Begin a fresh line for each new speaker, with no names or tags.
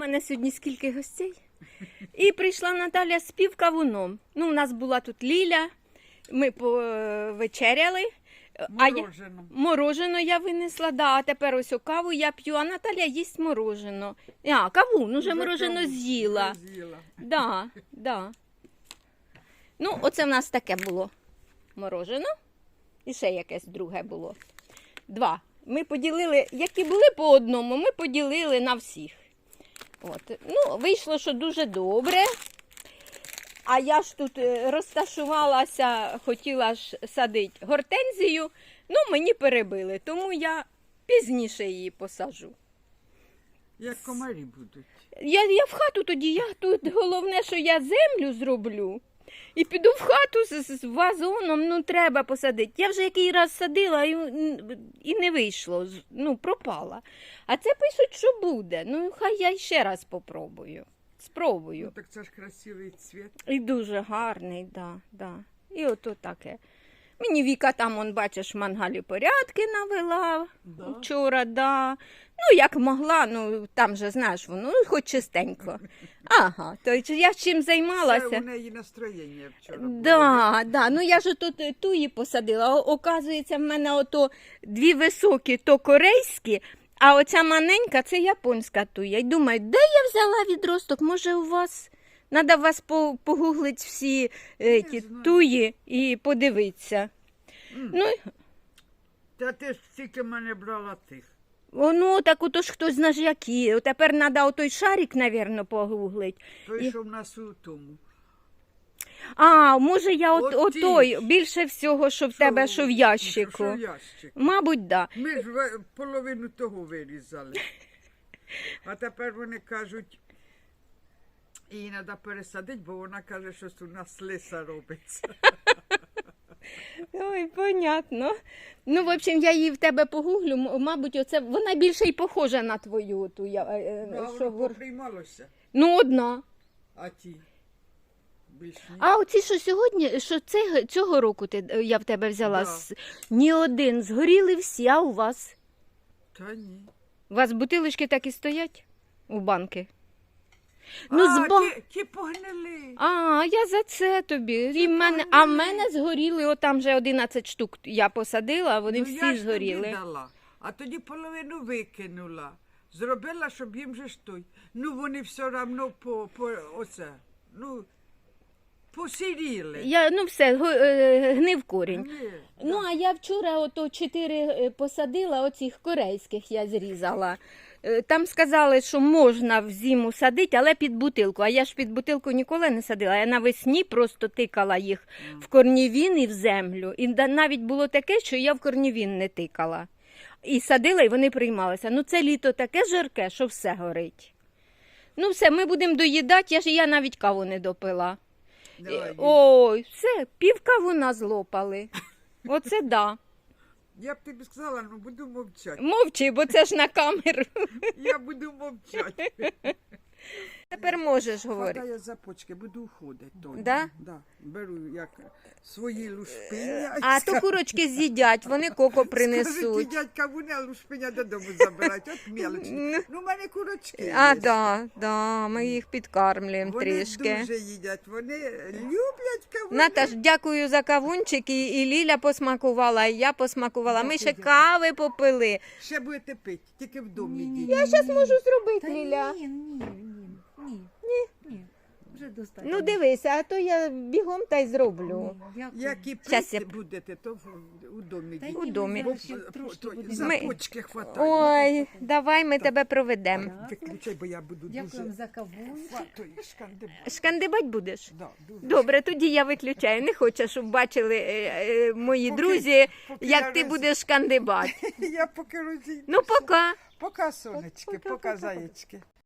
мене сьогодні скільки гостей. І прийшла Наталя з півкавуном. Ну, у нас була тут Ліля, ми повечеряли. Морожено я винесла, да, а тепер ось каву я п'ю, а Наталя їсть морожено. Кавун, уже морожено з'їла. Да. Ну, оце в нас таке було морожено. І ще якесь друге було. 2. Ми поділили, які були по одному, ми поділили на всіх. От. Ну, вийшло, що дуже добре. А я ж тут розташувалася, хотіла ж садити гортензію, ну мені перебили, тому я пізніше її посаджу.
Як комарі будуть.
Я в хату тоді, я тут головне, що я землю зроблю. І піду в хату з вазоном, ну треба посадити. Я вже який раз садила і не вийшло, ну пропала. А це пишуть, що буде. Ну хай я ще раз попробую. Спробую.
Ну, так це ж красивий цвіт.
І дуже гарний, да. І ото таке. Мені Віка там, он, бачиш, в мангалі порядки навела вчора, да. Ну, як могла, ну, там же, знаєш, воно, ну, хоч чистенько. Ага, то я чим займалася.
Це у неї настроєння вчора було.
Да. Ну, я ж тут туї посадила. Оказується, в мене ото 2 високі, то корейські, а оця маленька, це японська туя. І думаю, де я взяла відросток? Може у вас, треба вас погуглити всі ті туї і подивитися. Ну,
Та ти ж тільки мене брала тих.
ну, так ото ж хтось знає які. Тепер треба отой шарик, мабуть, погуглити.
Той, що в нас у тому.
А, може я
Оті
отой, більше всього, що в тебе, що в ящику.
Що в ящику.
Мабуть, да.
Ми ж половину того вирізали. А тепер вони кажуть, її треба пересадити, бо вона каже, що у нас лиса робиться.
Ой, понятно. Ну, в общем, я її в тебе погуглю, мабуть, оце, вона більше й похожа на твою. Ту,
Ну, а воно поприймалося.
Ну, одна.
А ті? Більш ні.
А оці, що сьогодні, що цього року я в тебе взяла,
Да.
ні один, згоріли всі, а у вас?
Та ні.
У вас бутилочки так і стоять у банки? Ну,
ті погнили.
А, я за це тобі. А в мене згоріли, отам вже 11 штук я посадила, а вони
Ну,
всі
я ж
згоріли.
тобі дала, а тоді половину викинула. Зробила, щоб їм же ж той. Ну, вони все одно посіріли.
Ну все, гнив корінь.
Ні,
Ну, а я вчора ото 4 посадила, оцих корейських я зрізала. Там сказали, що можна в зиму садити, але під бутилку. А я ж під бутилку ніколи не садила. Я навесні просто тикала їх в корнівін і в землю. І навіть було таке, що я в корнівін не тикала. І садила, і вони приймалися. Ну, це літо таке жарке, що все горить. Ну, все, ми будемо доїдати, я навіть каву не допила.
давай,
Ой, все, пів кавуна злопали. Оце да.
Я б тобі сказала, ну буду мовчати.
Мовчи, бо це ж на камеру.
Я буду мовчати.
Тепер можеш говорити.
Хватає за почки, буду уходити.
Да?
Да. Беру як свої лушпиня.
А то курочки з'їдять, вони коко принесуть.
Скажуть, дядька Вуня лушпиня додому забирають, от мелочні. Ну, в мене курочки
А,
є.
да, ми їх підкармлюємо
Вони
трішки.
дуже їдять, вони люблять кавуни.
Наташ, дякую за кавунчик, і Ліля посмакувала, і я посмакувала. Ми ще кави попили.
Ще будете пити, тільки в домі йдіть.
Я зараз можу зробити, Ліля.
Ні. Вже достатньо.
Ну дивися, а то я бігом та й зроблю.
Як і
Щас
пити
я-
будете, то у домі
Та
йдіть.
У
ні,
домі.
ми зараз ще трошки будемо.
За
Ми-
почки хватає.
Ой, давай ми тебе проведемо.
Виключай, бо я буду
Дякуємо
дуже...
за кавунчик.
Фатої шкандибати.
Шкандибать будеш?
Да, дуже.
Добре, тоді я виключаю. Не хочу, щоб бачили мої
Поки-
друзі,
поки
як
я
ти
роз-
будеш шкандибати.
Я поки розійду.
Ну, пока.
Пока, сонечки, пока, заєчки.